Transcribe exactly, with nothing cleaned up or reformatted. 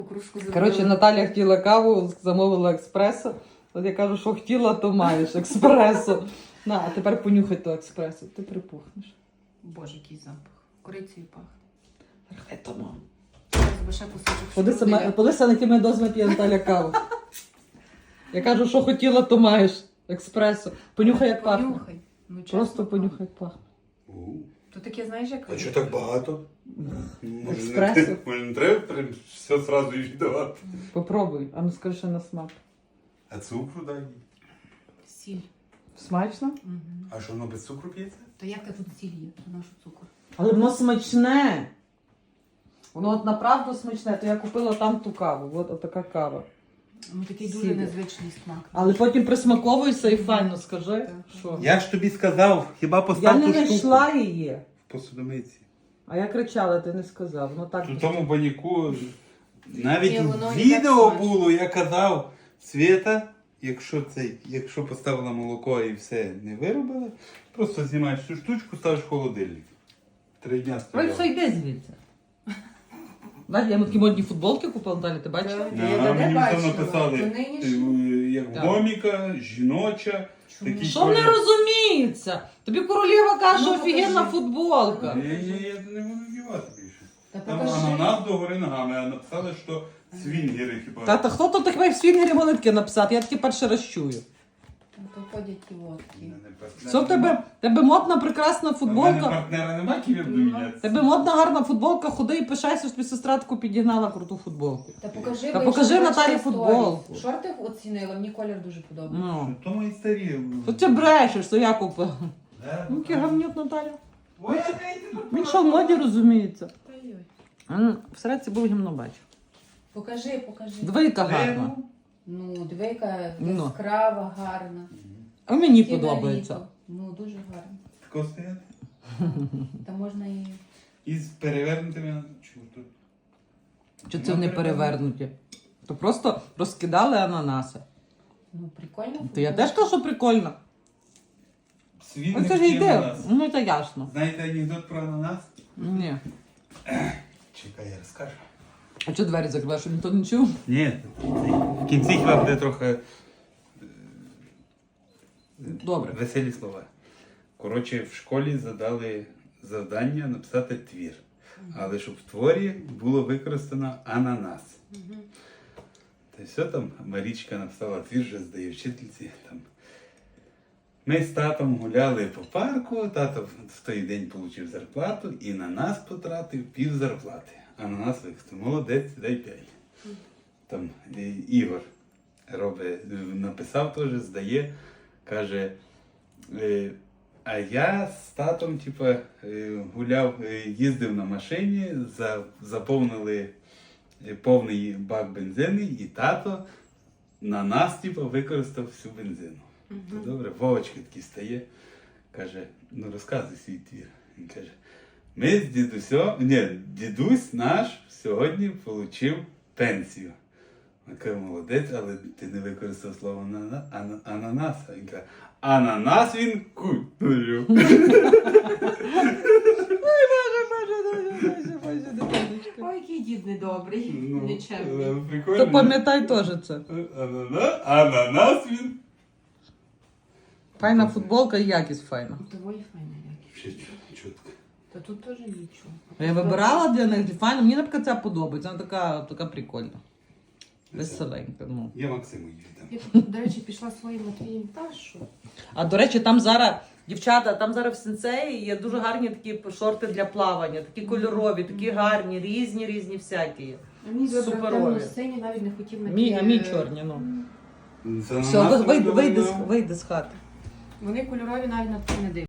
Кружку зробила. Коротше, Наталя хотіла каву, замовила експресо. От я кажу, що хотіла, то маєш експресо. На, а тепер понюхай то експресо, ти припухнеш. Боже, який запах. Корицею пахне. Хай то, мам. Зараз ще кусочок Поди сама, штруделя. поди сама якими дозами п'є Наталя каву. Я кажу, що хотіла, то маєш експресо. Понюхай, як пахне. Понюхай. Ну, чесно, Просто понюхай, як пахне. То таке, знаєш, як... А чого так багато? Може, Експресо? не, може, не треба прям все одразу віддавати? Попробуй, а ну скажи, що на смак. А цукру дай. Сіль. Смачно? Угу. А що воно без цукру п'ється? То як тут сіль є? То нашу цукор. Але воно смачне. Воно от направду смачне, то я купила там ту каву. От, от така кава. Ну, такий Сіль. дуже незвичний смак. Але потім присмаковуйся і файно скажи, Так. що. Я ж тобі сказав, хіба Я постав не ту штуку знайшла її. в посудомиці. А я кричала, ти не сказав. Ну так. У тому баняку навіть Ні, воно в і відео так було, я казав, Свята, якщо цей, якщо поставила молоко і все не виробила, просто знімаєш цю штучку, ставиш в холодильник. Три дня Ой, все, стояла. йди звідси. Знаєш, я йому такі модні футболки купила, Наталя, ти бачила? Так. Да, Я де мені бачила? там написали, То нині е, ж- як Так. гоміка, жіноча. Чому? Такі Що не колір. розуміється? Тобі королева каже, Ну, офігенна покажи. футболка. Я, я, я не можу вдівати більше. Та Там покажи. ананас догори ногами, а написали, що свінгери хіба. Та, та хто тут таке в свінгері могли таке написати? Я таке перший раз чую. Там то ходять і водки. Мене партнера Що в тебе? нема. Тебе модна, прекрасна У мене футболка. партнера нема, ким я буду Ну, мінятися. Тебе модна, гарна футболка, ходи і пишайся, що тобі сестра таку підігнала круту футболку. Та покажи, Та ви покажи ще Наталі бачите футболку. сторіс. Шорти оцінила, мені колір дуже подобається. Ну. То мої старі. Що ти брешеш, що я купила? Да, Ну, який гамнют, Наталя. Ой, я не Він що в моді розуміється. Ой-ой. А, ну, всередці був гімно бачу. Покажи, покажи. Двійка гарна. Ну, двійка Ну. яскрава, гарна. А мені Ті на подобається. літо. Ну, дуже гарно. Тако стояти. Та можна і... І з перевернутими чортом. Чи це вони перевернуті? То просто розкидали ананаси. Ну, прикольно. То я теж кажу, що прикольно. Світ Ну не це ж втім йде. ананас. Ну це ясно. Знаєте анекдот про ананас? Ні. Чекай, я розкажу. А чого двері закриваєш, щоб ніхто не чув? Ні, в кінці хіба буде трохи е, Добре. веселі слова. Коротше, в школі задали завдання написати твір. Але щоб в творі було використано ананас. Та й все там, Марічка написала твір, вже здає вчительці. Там. Ми з татом гуляли по парку, тато в той день отримав зарплату і на нас потратив пів зарплати. А на нас використав. Молодець, дай п'ять. Там е, Ігор робить, е, написав теж, здає, каже, е, а я з татом типу, е, гуляв, е, їздив на машині, за, заповнили е, повний бак бензину, і тато на нас типу, використав всю бензину. То добре, Вовочка такий стає, каже, ну розказуй свій твір. Він каже, ми з дідусем, ні, дідусь наш сьогодні отримав пенсію. Він каже, молодець, але ти не використав слово анана- ана- ананас. Він каже, ананас він купив. Ой, який дід недобрий, Ну, нечемний. е, прикольно. То пам'ятай теж це. Анана- Ананас він. Файна футболка і якість файна. Доволі файна якість. Ще чітко. Та тут теж нічого. Я вибирала для них файно, мені наприклад ця подобається, вона така, така прикольна. Веселенька. Ну. Я Максиму її віддам. Я, до речі, пішла своїм Матвієм. Та що? А до речі, там зараз, дівчата, там зараз в сенсеї є дуже гарні такі шорти для плавання, такі кольорові, такі гарні, різні, різні всякі є. А мій вибрав Суперові. темно-синій, навіть не хотів на Мій, ті, а мій е, чорні, ну. З Все, ананасом вийди, вийди, добре. вийди з хати. Вони кольорові навіть на це не дивляться.